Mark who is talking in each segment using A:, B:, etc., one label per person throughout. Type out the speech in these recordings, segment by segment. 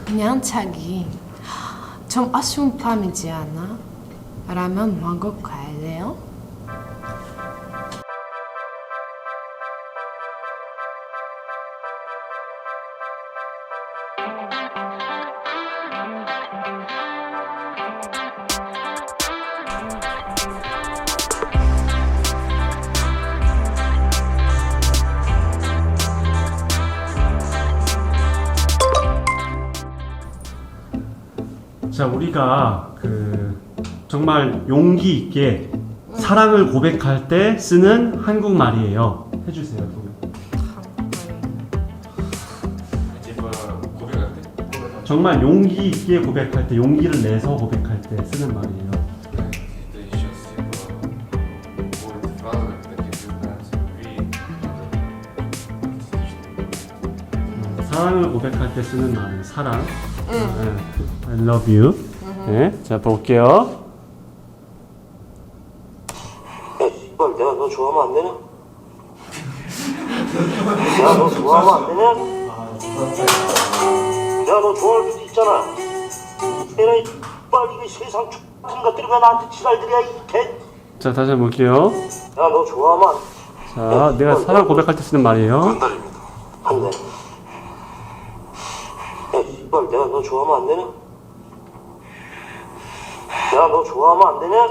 A: 그냥 자기 좀 아쉬운 밤이지 않아? 라면 먹고 갈래요?
B: 자, 우리가 정말 용기 있게 사랑을 고백할 때 쓰는 한국말이에요. 해주세요.
C: типа 고백할 때?
B: 정말 용기 있게 고백할 때, 용기를 내서 고백할 때 쓰는 말이에요.
C: Это еще типа будет фраза, такие появляются любви.
B: 사랑을 고백할 때 쓰는 말은 사랑. I love you. 네, 자 볼게요.
D: 야, 씨발, 내가 너 좋아하면 안 되냐? 내가 너 좋아하면 안 되냐? 내가 너 좋아할 수도 있잖아. 얘네, 씨발, 이게 세상 같은 것들이 왜 나한테 지랄들이야, 이 개.
B: 자 다시 한번 볼게요.
D: 내가 너 좋아하면
B: 자, 내가 사랑 고백할 때 쓰는 말이에요.
D: 안 돼. 야, 씨발, 내가 너 좋아하면 안 되냐? 내가 너 좋아하면 안 되냐?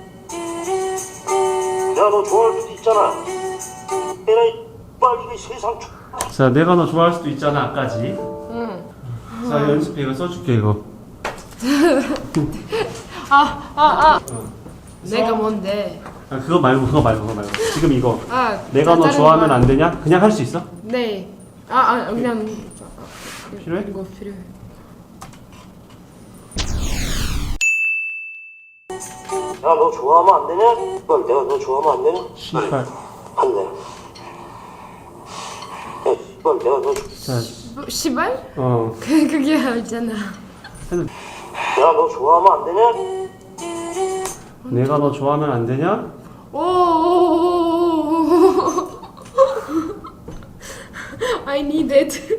D: 내가 너 좋아할 수도 있잖아. 얘네, 씨발, 이게 세상
B: 자, 내가 너 좋아할 수도 있잖아까지. 자, 연습해. 이거 써줄게 이거.
A: 내가 뭔데?
B: 아, 그거 말고. 지금 이거. 내가 너
A: 다른
B: 좋아하면
A: 말.
B: 안 되냐? 그냥 할 수 있어?
A: 네. 그냥
B: 필요해?
A: 이거 필요해.
D: 야, 너 좋아하면 안 되냐? 씨발, 내가 너 좋아하면 안 되냐?
B: 씨발.
D: 안 돼. 야, 씨발, 내가 너,
B: 자,
A: 뭐, 시발?
B: 어.
A: 그게 알잖아.
D: 내가 너 좋아하면 안 되냐?
B: 내가 너 좋아하면 안 되냐?
A: 오. I need it.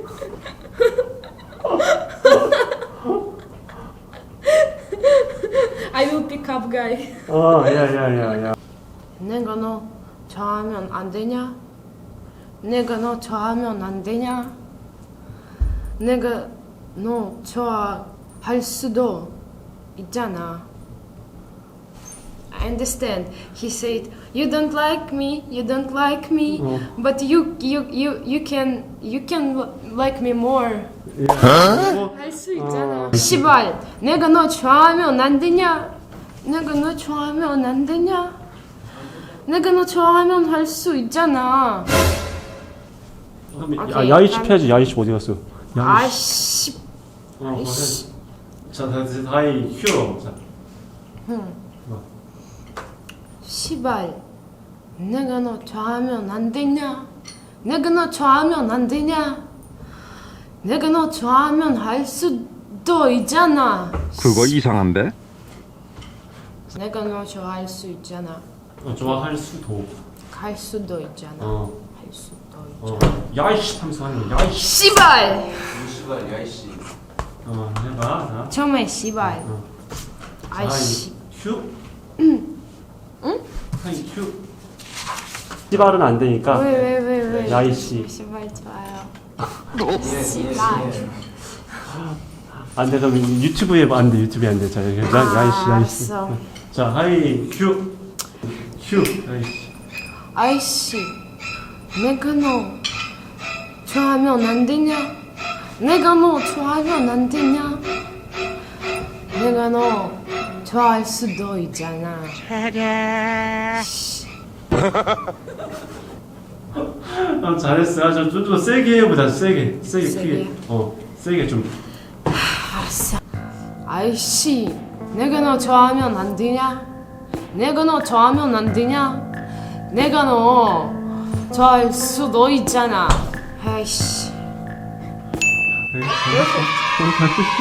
A: I will pick up guy.
B: 야.
A: 내가 너 좋아하면 안 되냐? 내가 너 좋아하면 안 되냐? 내가 너 좋아할 수도 있잖아. I understand. He said, "You don't like me. You don't like me, but you can like me more." 할 수 있잖아. 시발, 내가 너 좋아하면 안 되냐? 내가 너 좋아하면 안 되냐? 내가 너 좋아하면 할 수 있잖아.
B: 아, 야이씨 해야지. 야이씨 어디 갔어?
A: 아이씨.
B: 아이씨. 자, 다이 휴. 자.
A: 시발, 내가 너 좋아하면 안 되냐? 내가 너 좋아하면 안 되냐? 내가 너 좋아하면 할 수도 있잖아.
E: 그거 이상한데?
A: 내가 너 좋아할 수 있잖아.
B: 좋아할 수도.
A: 갈 수도 있잖아.
B: 어.
A: 할 수도 있잖아.
B: 야이씨 하면서 하는 거. 야이씨.
A: 시발.
C: 씨발 야이씨.
B: 해봐. 자.
A: 처음에 시발. 아이씨.
B: 휴? 응? 하이 휴. 씨발은 안 되니까.
A: 왜?
B: 야이씨.
A: 시발 좋아요.
B: 안 돼. 그럼 유튜브에 안 돼. 유튜브에 안 돼. 자, 야이씨.
A: 알았어.
B: 자, 하이 휴. 야이씨.
A: 아이씨, 내가 너 좋아하면 안 되냐? 내가 너 좋아하면 안 되냐? 내가 너 좋아할 수도 있잖아.
B: 잘했어. 좀 세게 해보자. 세게
A: 세게?
B: 크게. 세게 좀.
A: 알았어. 아이씨, 내가 너 좋아하면 안 되냐? 내가 너 좋아하면 안 되냐? 내가 너 좋아할 수도 있잖아. 아이씨.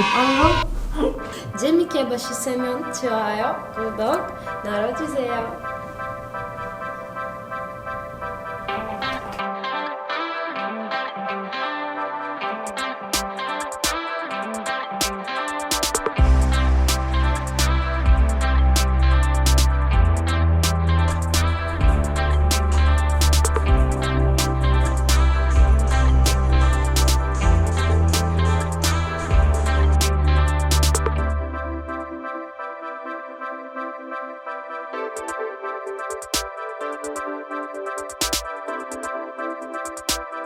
A: 재밌게 보셨으면 좋아요, 구독 눌러주세요.